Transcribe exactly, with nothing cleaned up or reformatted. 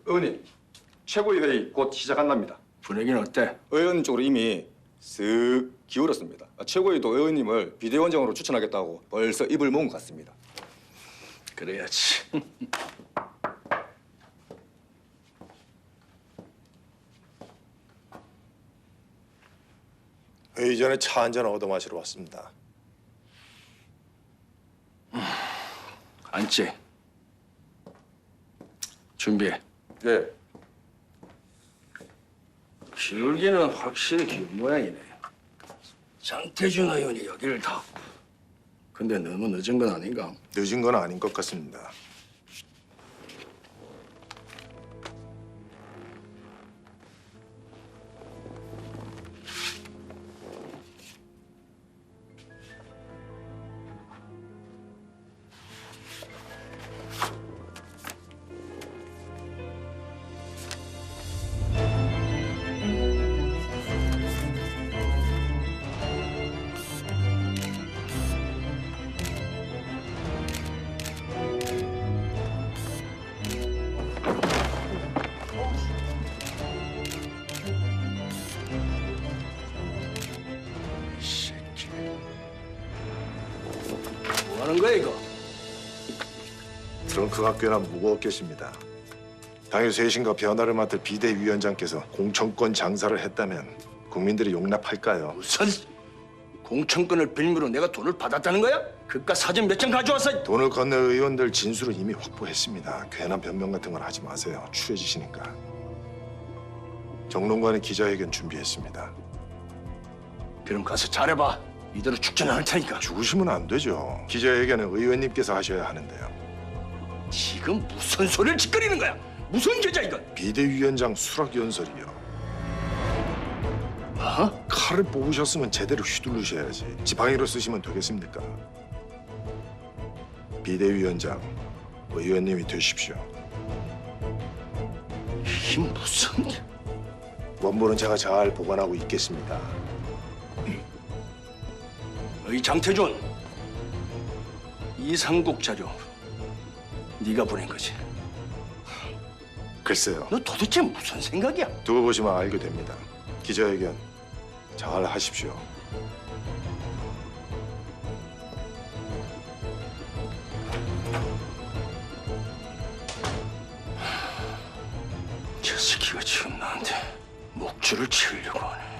의원님, 최고위 회의 곧 시작한답니다. 분위기는 어때? 의원 쪽으로 이미 쓱 기울었습니다. 최고위도 의원님을 비대위원장으로 추천하겠다고 벌써 입을 모은 것 같습니다. 그래야지. 회의 전에 차 한 잔 얻어 마시러 왔습니다. 앉지. 준비해. 네. 기울기는 확실히 기운 모양이네. 장태준 의원이 여기를 다. 근데 너무 늦은 건 아닌가? 늦은 건 아닌 것 같습니다. 새끼. 뭐 하는 거야 이거? 트렁크가 꽤나 무거웠겠습니다. 당일 쇄신과 변화를 맡을 비대위원장께서 공천권 장사를 했다면 국민들이 용납할까요? 무슨 공천권을 빌미로 내가 돈을 받았다는 거야? 그깟 사진 몇 장 가져와서. 돈을 건넬 의원들 진술을 이미 확보했습니다. 괜한 변명 같은 건 하지 마세요. 추해지시니까. 정론관의 기자회견 준비했습니다. 그럼 가서 잘해봐. 이대로 죽지는 않을 테니까. 죽으시면 안 되죠. 기자회견은 의원님께서 하셔야 하는데요. 지금 무슨 소리를 짓거리는 거야? 무슨 계좌 이건? 비대위원장 수락연설이요. 어? 칼을 뽑으셨으면 제대로 휘두르셔야지. 지팡이로 쓰시면 되겠습니까? 비대위원장, 의원님이 되십시오. 이게 무슨... 원본은 제가 잘 보관하고 있겠습니다. 어이 장태준, 이상국 자료 네가 보낸 거지? 글쎄요. 너 도대체 무슨 생각이야? 두고 보시면 알게 됩니다. 기자회견 잘 하십시오. 저 새끼가 지금 나한테 목줄을 치려고 하네.